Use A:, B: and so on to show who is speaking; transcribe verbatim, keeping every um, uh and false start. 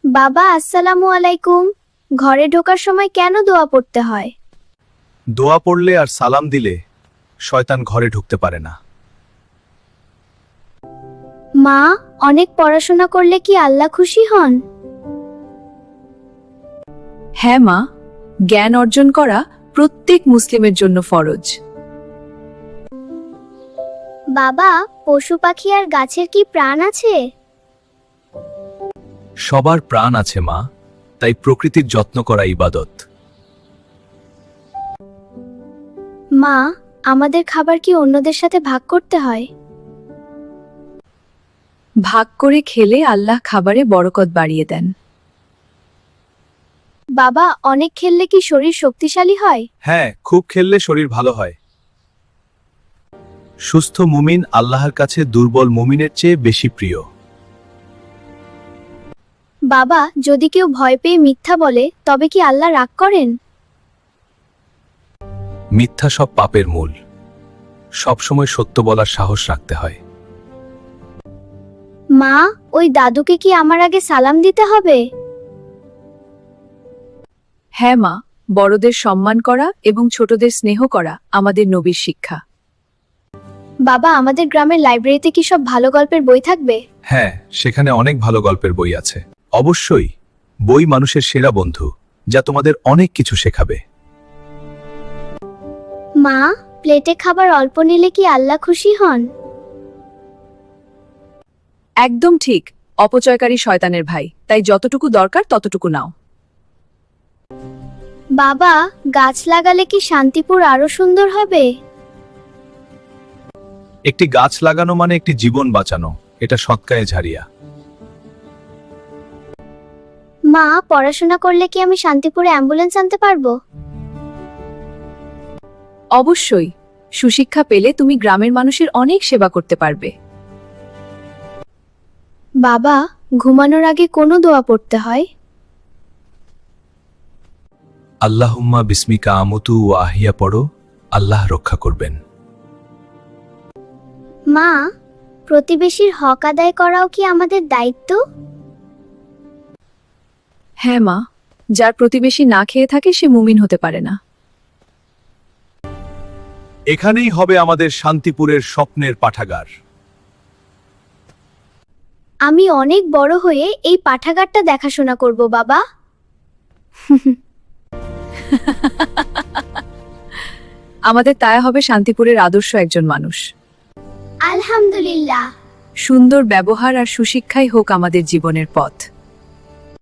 A: বাবা আসসালামু আলাইকুম। ঘরে ঢোকার সময় কেন দোয়া পড়তে হয়?
B: দোয়া পড়লে আর সালাম দিলে শয়তান ঘরে ঢুকতে পারে না।
A: মা, অনেক পড়াশোনা করলে কি আল্লাহ খুশি হন?
C: হ্যাঁ মা, জ্ঞান অর্জন করা প্রত্যেক মুসলিমের জন্য ফরজ।
A: বাবা, পশু পাখি আর গাছের কি প্রাণ আছে?
B: সবার প্রাণ আছে মা, তাই প্রকৃতির যত্ন করা ইবাদত।
A: মা, আমাদের খাবার কি অন্যদের সাথে ভাগ করতে হয়?
C: ভাগ করে খেলে আল্লাহ খাবারে বরকত বাড়িয়ে দেন।
A: বাবা, অনেক খেললে কি শরীর শক্তিশালী হয়?
B: হ্যাঁ, খুব খেললে শরীর ভালো হয়। সুস্থ মুমিন আল্লাহর কাছে দুর্বল মুমিনের চেয়ে বেশি প্রিয়।
A: বাবা, যদি কেউ ভয় পেয়ে মিথ্যা বলে তবে কি আল্লাহ রাগ করেন?
B: মিথ্যা সব পাপের মূল। সবসময় সত্য বলার সাহস রাখতে হয়।
A: মা, ওই দাদুকে কি আমার আগে সালাম দিতে হবে?
C: হ্যাঁ মা, বড়দের সম্মান করা এবং ছোটদের স্নেহ করা আমাদের নবীর শিক্ষা।
A: বাবা, আমাদের গ্রামের লাইব্রেরিতে কি সব ভালো গল্পের বই থাকবে?
B: হ্যাঁ, সেখানে অনেক ভালো গল্পের বই আছে। অবশ্যই, বই মানুষের সেরা বন্ধু, যা তোমাদের অনেক কিছু শেখাবে।
A: মা, প্লেটে খাবার অল্প নিলে কি আল্লাহ খুশি হন?
C: একদম ঠিক। অপচয়কারী শয়তানের ভাই, তাই যতটুকু দরকার ততটুকু নাও।
A: বাবা, গাছ লাগালে কি শান্তিপুর আরো সুন্দর হবে?
B: একটি গাছ লাগানো মানে একটি জীবন বাঁচানো, এটা সৎকায়ে ঝারিয়া।
A: মা, পড়াশোনা করলে কি আমি শান্তিপুরে অ্যাম্বুলেন্স আনতে পারবো?
C: অবশ্যই, সুশিক্ষা পেলে তুমি গ্রামের মানুষের অনেক সেবা করতে পারবে।
A: বাবা, ঘুমানোর আগে কোনো দোয়া পড়তে হয়?
B: আল্লাহুম্মা বিসমিকা আমুতু ও আহিয়া পড়ো, আল্লাহ রক্ষা করবেন।
A: মা, প্রতিবেশীর হক আদায় করাও কি আমাদের দায়িত্ব?
C: হ্যাঁ মা, যার প্রতিবেশী না খেয়ে থাকে সে মুমিন হতে পারে না।
B: এখানেই হবে আমাদের শান্তিপুরের স্বপ্নের পাঠাগার।
A: আমি অনেক বড় হয়ে এই পাঠাগারটা দেখাশোনা করব বাবা।
C: আমাদের তাই হবে শান্তিপুরের আদর্শ একজন মানুষ।
A: আলহামদুলিল্লাহ।
C: সুন্দর ব্যবহার আর সুশিক্ষাই হোক আমাদের জীবনের পথ।